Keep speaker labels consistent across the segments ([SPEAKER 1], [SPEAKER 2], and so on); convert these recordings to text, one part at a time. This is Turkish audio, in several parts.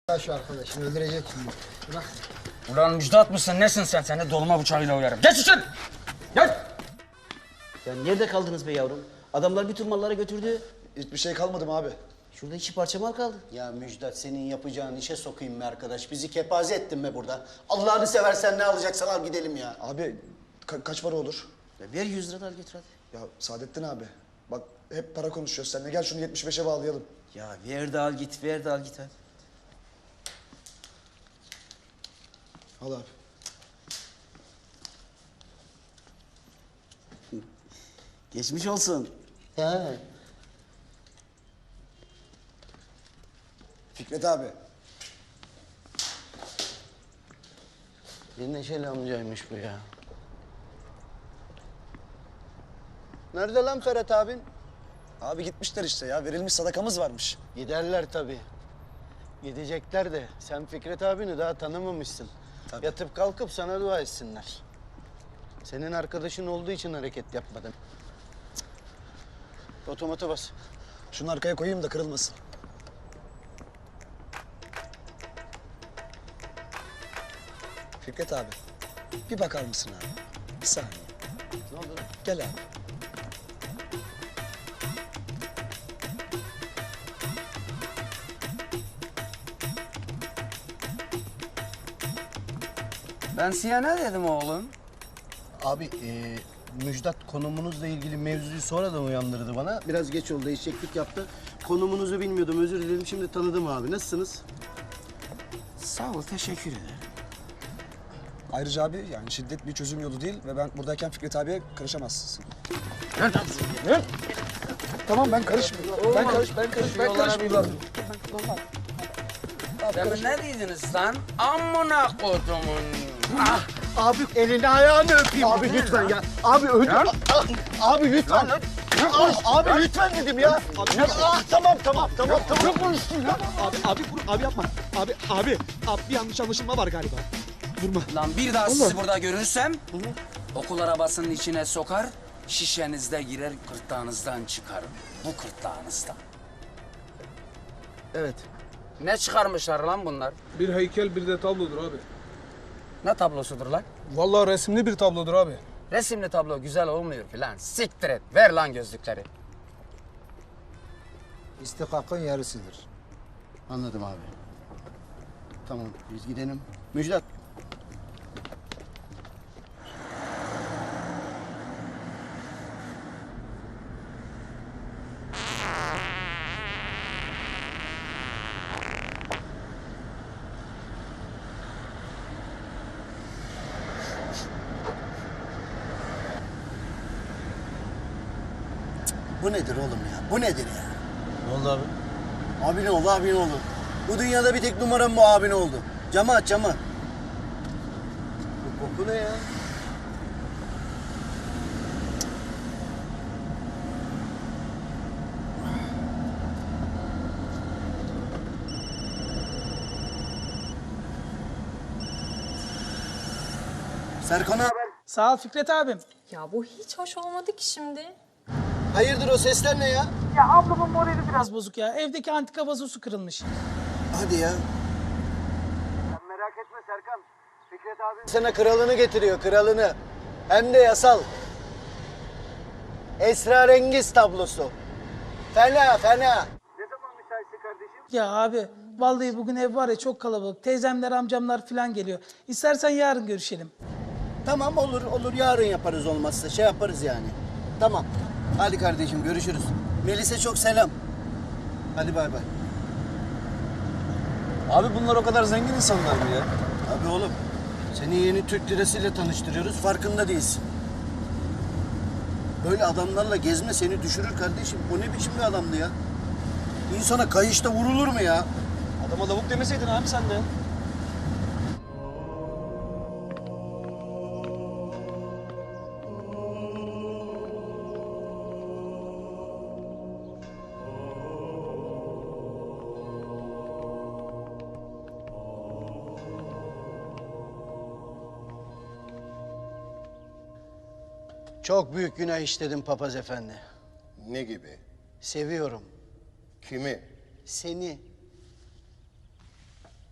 [SPEAKER 1] Şu arkadaşını öldürecek şimdi. Bırak.
[SPEAKER 2] Ulan Müjdat mısın nesin sen? Seni dolma bıçağıyla uyarım. Geç için! Gel!
[SPEAKER 3] Ya nerede kaldınız be yavrum? Adamlar bütün malları götürdü.
[SPEAKER 4] Hiçbir şey kalmadı mı abi?
[SPEAKER 3] Şurada 2 parça mal kaldı.
[SPEAKER 5] Ya Müjdat senin yapacağın işe sokayım be arkadaş. Bizi kepaze ettin be burada. Allah'ını seversen ne alacaksan al gidelim ya.
[SPEAKER 4] Abi kaç para olur?
[SPEAKER 3] Ya ver 100 lira da al götür hadi.
[SPEAKER 4] Ya Saadettin abi bak hep para konuşuyoruz seninle. Gel şunu 75'e bağlayalım.
[SPEAKER 3] Ya ver de al git, ver de al git hadi.
[SPEAKER 4] Al abi.
[SPEAKER 3] Geçmiş olsun.
[SPEAKER 1] He.
[SPEAKER 4] Fikret abi.
[SPEAKER 3] Bir neşeli amcaymış bu ya.
[SPEAKER 5] Nerede lan Ferhat abin?
[SPEAKER 4] Abi gitmişler işte ya. Verilmiş sadakamız varmış.
[SPEAKER 5] Giderler tabii. Gidecekler de sen Fikret abini daha tanımamışsın.
[SPEAKER 4] Tabii.
[SPEAKER 5] Yatıp kalkıp sana dua etsinler. Senin arkadaşın olduğu için hareket yapmadın. Otomata bas.
[SPEAKER 4] Şunu arkaya koyayım da kırılmasın. Fikret abi. Bir bakar mısın abi? Bir saniye.
[SPEAKER 5] Ne oldu lan?
[SPEAKER 4] Gel abi.
[SPEAKER 2] Ben size ne dedim oğlum?
[SPEAKER 5] Abi Müjdat konumunuzla ilgili mevzuyu sonradan uyandırdı bana. Biraz geç oldu, eşeklik yaptı. Konumunuzu bilmiyordum, özür dilerim. Şimdi tanıdım abi. Nasılsınız?
[SPEAKER 2] Sağ ol, teşekkür ederim.
[SPEAKER 4] Ayrıca abi yani şiddet bir çözüm yolu değil ve ben buradayken Fikret abiye karışamazsın. Tamam ben karışmıyorum. Ben karışmıyorum.
[SPEAKER 2] Demin ne dediniz lan? Amına kodumun. Ah!
[SPEAKER 5] Abi elini ayağını öpeyim. Abi lütfen ya. Abi öldür. Abi lütfen. Abi lütfen dedim ya. Tamam. Çok konuştun ya.
[SPEAKER 6] Abi yapma. Abi bir yanlış anlaşılma var galiba. Durma.
[SPEAKER 2] Lan bir daha sizi burada görürsem okul arabasının içine sokar, şişenizde girer, gırtlağınızdan çıkarım. Bu gırtlağınızdan.
[SPEAKER 5] Evet.
[SPEAKER 2] Ne çıkarmışlar lan bunlar?
[SPEAKER 6] Bir heykel bir de tablodur abi.
[SPEAKER 2] Ne tablosudur lan?
[SPEAKER 6] Vallahi resimli bir tablodur abi.
[SPEAKER 2] Resimli tablo güzel olmuyor filan. Siktir et. Ver lan gözlükleri.
[SPEAKER 1] İstikakın yarısıdır.
[SPEAKER 5] Anladım abi. Tamam biz gidelim. Müjdat. Bu nedir oğlum ya? Bu nedir ya?
[SPEAKER 3] Ne oldu abi?
[SPEAKER 5] Abin oldu. Bu dünyada bir tek numaram bu abin oldu. Camı aç camı. Bu koku ne ya? Serkan abi.
[SPEAKER 6] Sağ ol Fikret abim.
[SPEAKER 7] Ya bu hiç hoş olmadı ki şimdi.
[SPEAKER 5] Hayırdır o sesler ne ya?
[SPEAKER 6] Ya ablamın morali biraz bozuk ya. Evdeki antika vazosu kırılmış.
[SPEAKER 5] Hadi ya. Sen merak etme Serkan. Fikret abi sana kralını getiriyor, kralını. Hem de yasal. Esrarengiz tablosu. Fena. Ne zaman müsaitsin kardeşim?
[SPEAKER 6] Ya abi vallahi bugün ev var ya çok kalabalık. Teyzemler amcamlar falan geliyor. İstersen yarın görüşelim.
[SPEAKER 5] Tamam olur yarın yaparız olmazsa şey yaparız yani. Tamam. Hadi kardeşim görüşürüz. Melis'e çok selam. Hadi bay bay.
[SPEAKER 4] Abi bunlar o kadar zengin insanlar mı ya?
[SPEAKER 5] Abi oğlum seni yeni Türk lirasıyla tanıştırıyoruz farkında değilsin. Böyle adamlarla gezme seni düşürür kardeşim. O ne biçim bir adamdı ya? İnsana kayışta vurulur mu ya?
[SPEAKER 4] Adama lavuk demeseydin abi sen de.
[SPEAKER 5] Çok büyük günah işledim papaz efendi.
[SPEAKER 8] Ne gibi?
[SPEAKER 5] Seviyorum.
[SPEAKER 8] Kimi?
[SPEAKER 5] Seni.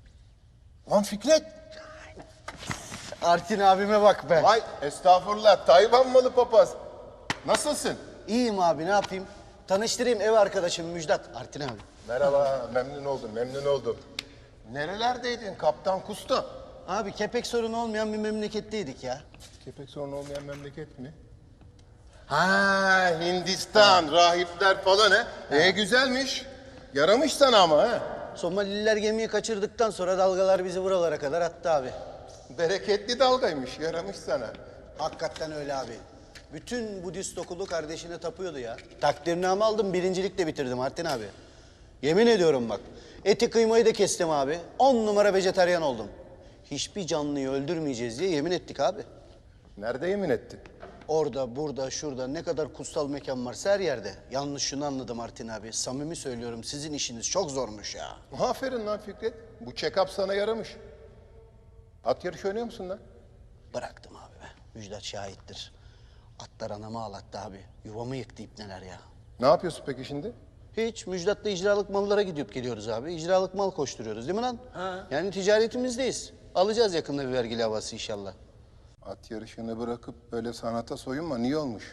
[SPEAKER 5] Lan Fikret.
[SPEAKER 3] Artin abime bak be.
[SPEAKER 8] Vay estağfurullah Tayvan malı papaz. Nasılsın?
[SPEAKER 3] İyiyim abi, ne yapayım? Tanıştırayım, ev arkadaşım Müjdat. Artin abi.
[SPEAKER 8] Merhaba, memnun oldum, memnun oldum. Nerelerdeydin Kaptan Kusta?
[SPEAKER 3] Abi kepek sorunu olmayan bir memleketteydik ya.
[SPEAKER 8] Kepek sorunu olmayan memleket mi? Ha Hindistan, rahipler falan he. Güzelmiş. Yaramış sana ama ha.
[SPEAKER 3] Somalililer gemiyi kaçırdıktan sonra dalgalar bizi buralara kadar attı abi.
[SPEAKER 8] Bereketli dalgaymış, yaramış sana.
[SPEAKER 3] Hakikaten öyle abi. Bütün Budist okulu kardeşine tapıyordu ya. Takdirname aldım, birincilikle bitirdim Artin abi. Yemin ediyorum bak. Eti kıymayı da kestim abi. 10 numara vejetaryen oldum. Hiçbir canlıyı öldürmeyeceğiz diye yemin ettik abi.
[SPEAKER 8] Nerede yemin ettin?
[SPEAKER 3] Orada, burada, şurada ne kadar kutsal mekan varsa her yerde. Yalnız şunu anladım Artin abi. Samimi söylüyorum, sizin işiniz çok zormuş ya.
[SPEAKER 8] Aferin lan Fikret. Bu check-up sana yaramış. At yarışı oynuyor musun lan?
[SPEAKER 3] Bıraktım abi be. Müjdat şahittir. Atlar anamı ağlattı abi. Yuvamı yıktı ipneler ya.
[SPEAKER 8] Ne yapıyorsun peki şimdi?
[SPEAKER 3] Hiç. Müjdat'la icralık mallara gidip geliyoruz abi. İcralık mal koşturuyoruz değil mi lan? Ha. Yani ticaretimizdeyiz. Alacağız yakında bir vergi lavası inşallah.
[SPEAKER 8] At yarışını bırakıp böyle sanata soyunma. Niye olmuş?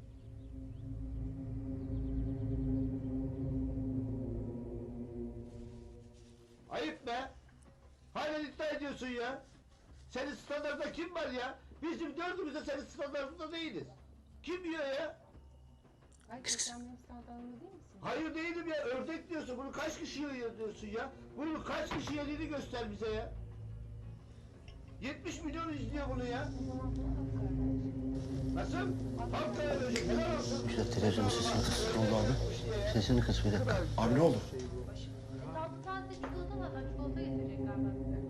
[SPEAKER 5] Ayıp be. Hala iddia ediyorsun ya. Senin standartında kim var ya? Bizim dördümüz de senin standartında değiliz. Kim yiyor ya? Hayır değilim ya. Ördek diyorsun. Bunu kaç kişi yiyor diyorsun ya? Bunu kaç kişi yediğini göster bize ya. 70 milyon izliyor bunu ya. Nasıl? Halkaya verecek. Helal olsun.
[SPEAKER 3] Müjdat televizyonun sesini kıs. Ne oldu abi? Sesini kıs bir dakika.
[SPEAKER 4] Abi ne oldu?
[SPEAKER 9] Sadece çikolata var. Çikolata getirecekler galiba bize.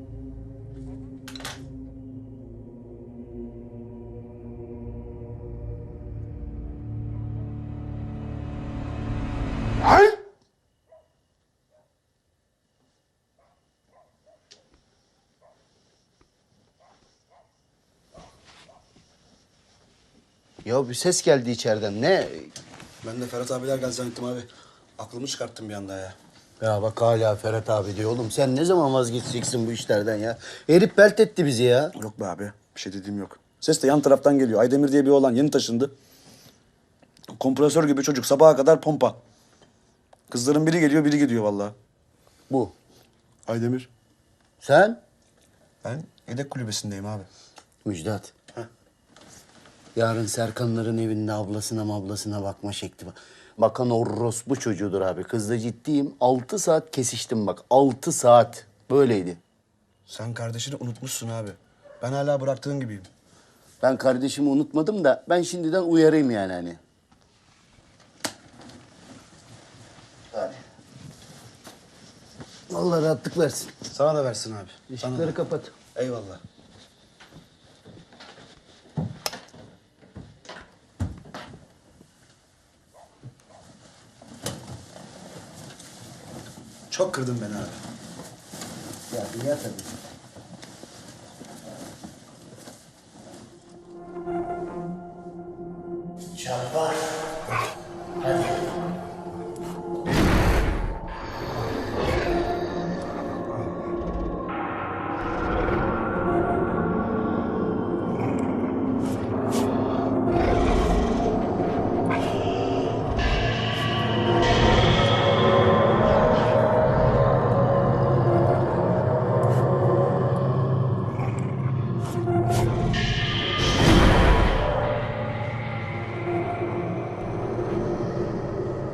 [SPEAKER 3] Ya bir ses geldi içeriden. Ne?
[SPEAKER 4] Ben de Ferhat abiler geldi zannettim abi. Aklımı çıkarttım bir anda ya.
[SPEAKER 3] Ya bak hala Ferhat abi diyor. Oğlum sen ne zaman vazgeçeceksin bu işlerden ya? Herif belt etti bizi ya.
[SPEAKER 4] Yok be abi. Bir şey dediğim yok. Ses de yan taraftan geliyor. Aydemir diye bir oğlan yeni taşındı. Kompresör gibi çocuk. Sabaha kadar pompa. Kızların biri geliyor, biri gidiyor vallahi.
[SPEAKER 3] Bu.
[SPEAKER 4] Aydemir.
[SPEAKER 3] Sen?
[SPEAKER 4] Ben yedek kulübesindeyim abi.
[SPEAKER 3] Müjdat. Yarın Serkanların evinde ablasına bakma şekli var. Bakan orospu çocuğudur abi. Kızla ciddiyim. 6 saat kesiştim bak. 6 saat. Böyleydi.
[SPEAKER 4] Sen kardeşini unutmuşsun abi. Ben hala bıraktığın gibiyim.
[SPEAKER 3] Ben kardeşimi unutmadım da ben şimdiden uyarayım yani hani. Hadi. Allah rahatlık versin.
[SPEAKER 4] Sana da versin abi. Sana da.
[SPEAKER 3] Işıkları kapat.
[SPEAKER 4] Eyvallah. Çok kırdın beni abi.
[SPEAKER 3] Ya dünya tabii. Çarpar. Hadi.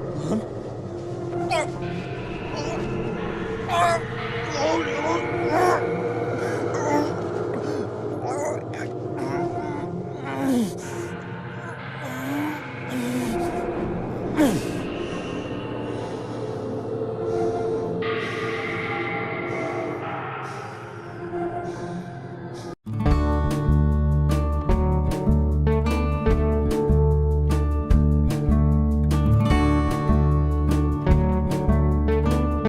[SPEAKER 5] Ne oluyor lan?